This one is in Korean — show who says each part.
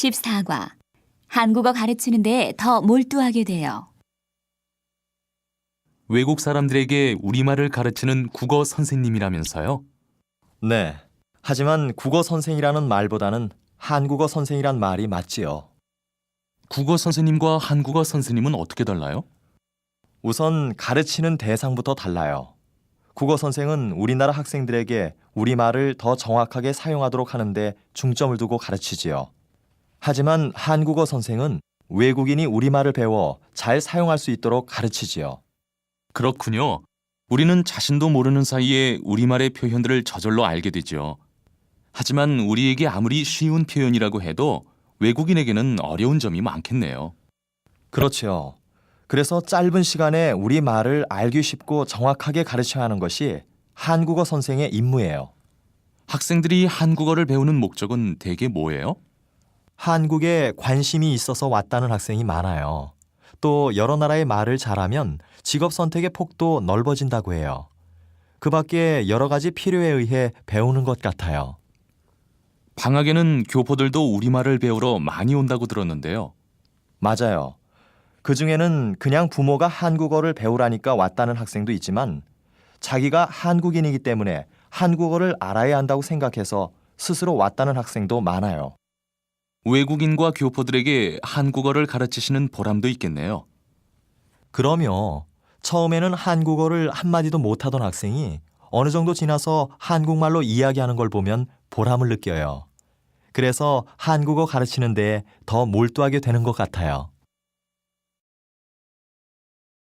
Speaker 1: 14과 한국어 가르치는데 더 몰두하게 돼요.
Speaker 2: 외국 사람들에게 우리말을 가르치는 국어 선생님이라면서요?
Speaker 3: 네. 하지만 국어 선생이라는 말보다는 한국어 선생이란 말이 맞지요.
Speaker 2: 국어 선생님과 한국어 선생님은 어떻게 달라요?
Speaker 3: 우선 가르치는 대상부터 달라요. 국어 선생은 우리나라 학생들에게 우리말을 더 정확하게 사용하도록 하는데 중점을 두고 가르치지요. 하지만 한국어 선생은 외국인이 우리말을 배워 잘 사용할 수 있도록 가르치지요.
Speaker 2: 그렇군요. 우리는 자신도 모르는 사이에 우리말의 표현들을 저절로 알게 되죠. 하지만 우리에게 아무리 쉬운 표현이라고 해도 외국인에게는 어려운 점이 많겠네요.
Speaker 3: 그렇지요. 그래서 짧은 시간에 우리말을 알기 쉽고 정확하게 가르쳐야 하는 것이 한국어 선생의 임무예요.
Speaker 2: 학생들이 한국어를 배우는 목적은 대개 뭐예요?
Speaker 3: 한국에 관심이 있어서 왔다는 학생이 많아요. 또 여러 나라의 말을 잘하면 직업 선택의 폭도 넓어진다고 해요. 그 밖에 여러 가지 필요에 의해 배우는 것 같아요.
Speaker 2: 방학에는 교포들도 우리말을 배우러 많이 온다고 들었는데요.
Speaker 3: 맞아요. 그 중에는 그냥 부모가 한국어를 배우라니까 왔다는 학생도 있지만 자기가 한국인이기 때문에 한국어를 알아야 한다고 생각해서 스스로 왔다는 학생도 많아요.
Speaker 2: 외국인과 교포들에게 한국어를 가르치시는 보람도 있겠네요.
Speaker 3: 그럼요. 처음에는 한국어를 한마디도 못하던 학생이 어느 정도 지나서 한국말로 이야기하는 걸 보면 보람을 느껴요. 그래서 한국어 가르치는 데에 더 몰두하게 되는 것 같아요.